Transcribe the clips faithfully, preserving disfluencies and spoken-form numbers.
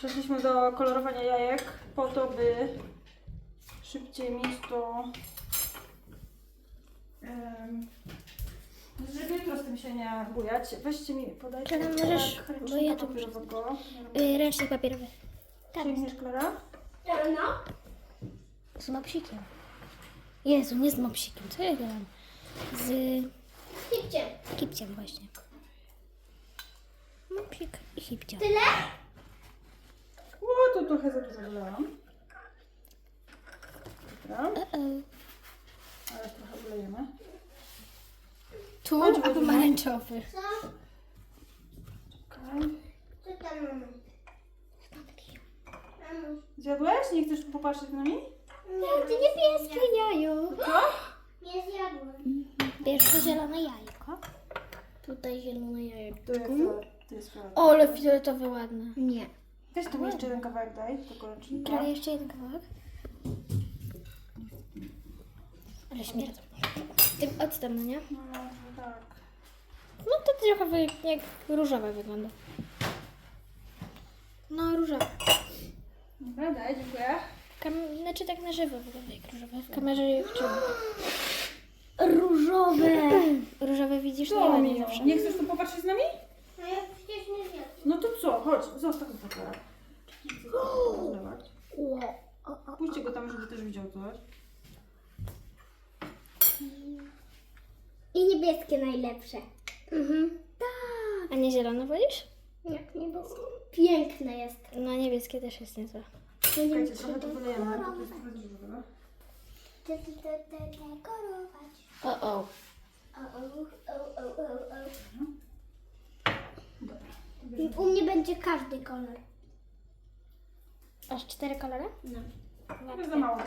Przeszliśmy do kolorowania jajek po to, by szybciej mieć to, um, żeby jutro z tym się nie bujać. Weźcie mi, podajcie Klara, możesz, tak, bo ręcznika ja tu papierowego. Yy, ręcznik papierowy. Sięgniesz, Klara? No. Z mopsikiem. Jezu, nie z mopsikiem, co ja gadam? Z Hipcie. kipciem właśnie. Mopsik i hipcia. Tyle? O, to trochę za dużo wylałam. Dobra, Uh-oh. ale trochę wylejemy. Tu, Chodź, a chodź, pomarańczowy. Co? Okay. Co tam mamy? Mamuś. Zjadłeś? Nie chcesz popatrzeć na mnie? Jak ty niebieskie jajo. Co? Nie zjadłem. Pierwsze zielone jajko. Tutaj zielone jajko. To jest fiolet. To jest fiolet. O, ale fioletowe ładne. Nie. Weź tu mi jeszcze jeden kawałek daj, do ręcznika. Klara, jeszcze jeden kawałek. Ale śmierdzą. Tym octem, no nie? No, no, tak. No to trochę wy- jak różowe wygląda. No, różowe. Dobra, daj, dziękuję. Kam- znaczy tak na żywo wygląda jak różowe. W kamerze jak czemu? Różowe! Różowe widzisz? Nie Co, ładnie Milo? zawsze. Nie chcesz tu popatrzeć z nami? No ja przecież nie zjadłem. No to co? Chodź, zostaw to teraz. Pójdźcie go tam, żeby też widział coś. I niebieskie najlepsze. Mhm. A nie zielone wolisz? Jak niebieskie. Piękne jest. No niebieskie też jest niezłe. Czekajcie, trochę to wylejemy, bo to jest trochę dużo, dobra? Dekorować. O, o. O, o, o, o, o, o. Dobra. U mnie będzie każdy kolor. Aż cztery kolory? No. To jest za mało.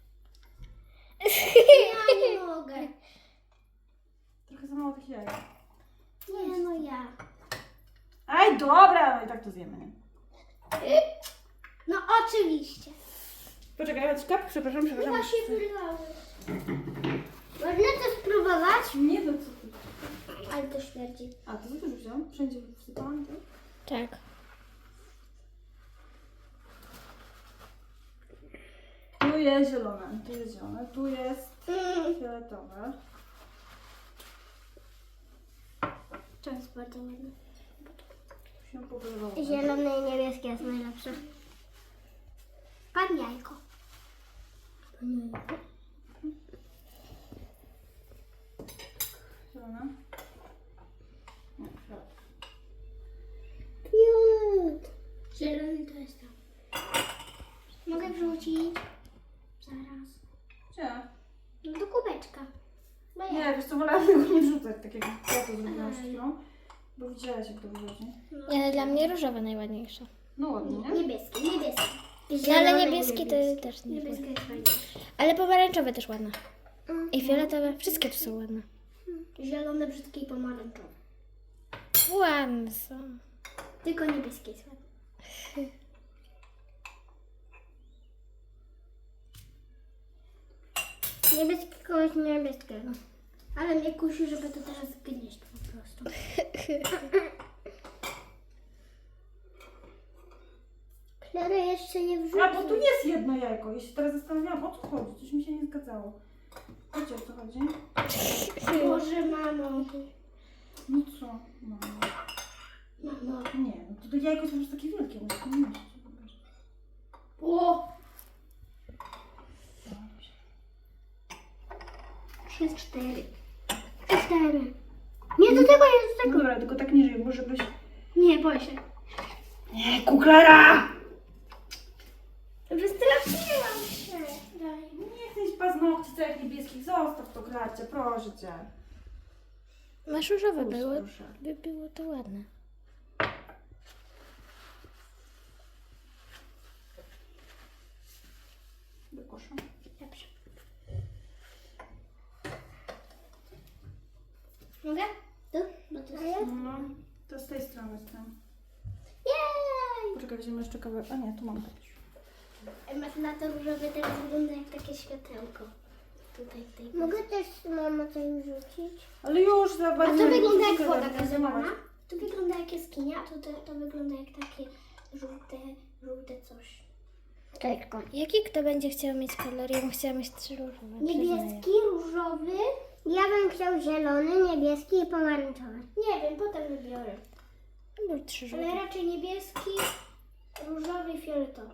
Ja nie mogę. Trochę za mało tych jajek. Nie, no ja. Aj, dobra, no i tak to zjemy, nie? No oczywiście. Poczekaj, chodź, kap, przepraszam, przepraszam. Chyba się wylały. Można to spróbować? Nie, no co ty? Ale to śmierdzi. A, to za dużo wziąłam? Wszędzie wsypałam to? Tak. Tu jest zielone, tu jest zielone, tu jest Mm. fioletowe. To jest bardzo ładne. Tu się pogodowało. Zielone i niebieskie jest najlepsze. Pan jajko. Zielone. Nie, fiolet. Fiolet. Zielony to jest tam. Mogę wrzucić? Zaraz. Gdzie? No do kubeczka. Bo ja. Nie, wiesz co, wolałam tego nie wrzucać, tak jak ja to zrobiłam przed chwilą. Bo widziałaś, jak to wyrzuci. Nie, ale dla mnie różowe najładniejsze. No ładnie, nie? Niebieskie, niebieskie. No Zielone ale i niebieskie to też nie. Niebieskie jest fajniejsze. Ale pomarańczowe też ładne. I fioletowe, wszystkie tu są ładne. Zielone, brzydkie i pomarańczowe. Ładne są. Tylko niebieskie jest ładne. Niebieskie kogoś niebieskiego. Ale mnie kusi, żeby to teraz zgnieść po prostu. Klara jeszcze nie wrzuci. A, bo tu jest jedno jajko i się teraz zastanawiałam, o co chodzi. Coś mi się nie zgadzało. Wiecie, o co chodzi? Boże, mamo. No co? Mamo. Mamo. Nie, no to, to jajko jest po prostu takie wielkie, muszę to mieścić. O! Trzy, cztery. Cztery. Nie, do tego jest do tego. Dobra, tylko tak niżej, bo żebyś... Nie, boję się. Nie, kuklara! Wystraszyłam się. Daj. Nie chcę mieć paznokci całych niebieskich, zostaw to, Klarcie, proszę cię. Masz różowe Puść, było, proszę. by było to ładne. Do kosza. Dobrze. Mogę? Tu? Bo to jest. No, to z tej strony z tym. Jej! Poczekaj, weźmiemy jeszcze kawałek. A nie, tu mam też. Na to różowe teraz wygląda jak takie światełko. Tutaj, tutaj. Mogę też mama coś rzucić? Ale już za A bardzo... to wygląda jak nie woda będę gazowana. zajmować. To wygląda jak jaskinia, a to, to, to wygląda jak takie żółte żółte coś. Tylko. Jaki kto będzie chciał mieć kolor? Ja bym chciała mieć trzy różowe. Niebieski, różowy. Ja bym chciał zielony, niebieski i pomarańczowy. Nie wiem, potem wybiorę. Albo trzy Ale żółte. raczej niebieski, różowy i fioletowy.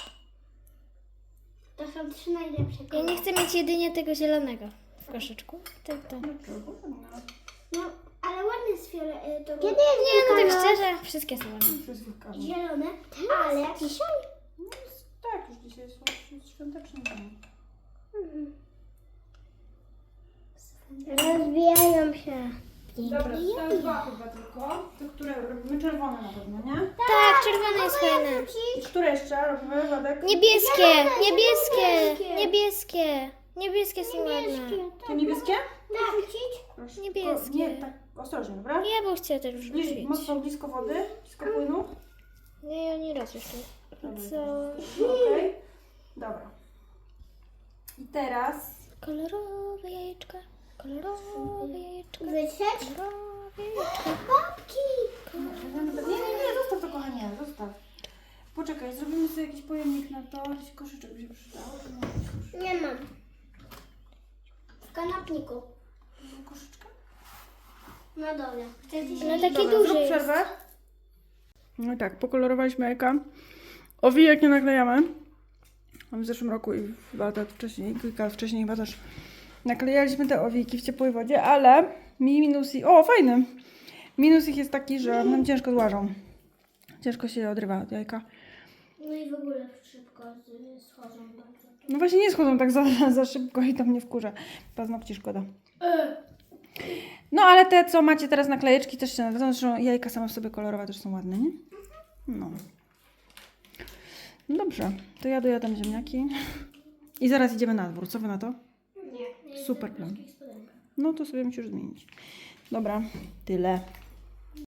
To są trzy najlepsze Ja kolory. nie chcę mieć jedynie tego zielonego w koszyczku. Tak, tak. Dlaczego? No, ale ładny jest fioletowy. Kiedy Nie, no tak szczerze, wszystkie są ładne. Wszystko w kawie. Zielone, ale... Dzisiaj? No jest, tak, już dzisiaj jest, jest świąteczny dzień. Rozwijają się. Dobra, zostały dwa chyba tylko. Te, które robimy czerwone na pewno, nie? Tak, czerwone jest fajne. I które jeszcze robimy, Władek? Niebieskie, niebieskie, niebieskie. Niebieskie są ładne. Te niebieskie? Tak. Proszę. Niebieskie. O, nie, tak ostrożnie, dobra? Ja bym chciała też Bliż, rzucić. mocno blisko wody, blisko płynu. Nie, ja nie raz jeszcze. Co? Okej. Dobra. I teraz Kolorowe jajeczka, kolorowe jajeczka, Wytrzeć? kolorowe jajeczka. Babki! Nie, nie, nie, zostaw to, kochanie, zostaw. Poczekaj, zrobimy sobie jakiś pojemnik na to, jakiś koszyczek by się przydał. Nie mam. W kanapniku. Koszyczka? Na dole. Chcesz No taki Dobra, duży zrób jest. przerwę. No i tak, pokolorowaliśmy jajka. Owijek nie naklejamy. W zeszłym roku i dwa lata wcześniej, kilka lat wcześniej chyba też naklejaliśmy te owijki w ciepłej wodzie, ale mi minus i... O, fajny! Minus ich jest taki, że nam ciężko złażą. Ciężko się je odrywa od jajka. No i w ogóle szybko z- schodzą bardzo. No właśnie nie schodzą tak za, za szybko i to mnie wkurza. Paznokci szkoda. No ale te, co macie teraz naklejeczki też się nazywają, zresztą jajka same w sobie kolorowe też są ładne, nie? No. No dobrze, to ja dojadam ziemniaki i zaraz idziemy na dwór. Co wy na to? Nie. Super plan. No to sobie musisz zmienić. Dobra, tyle.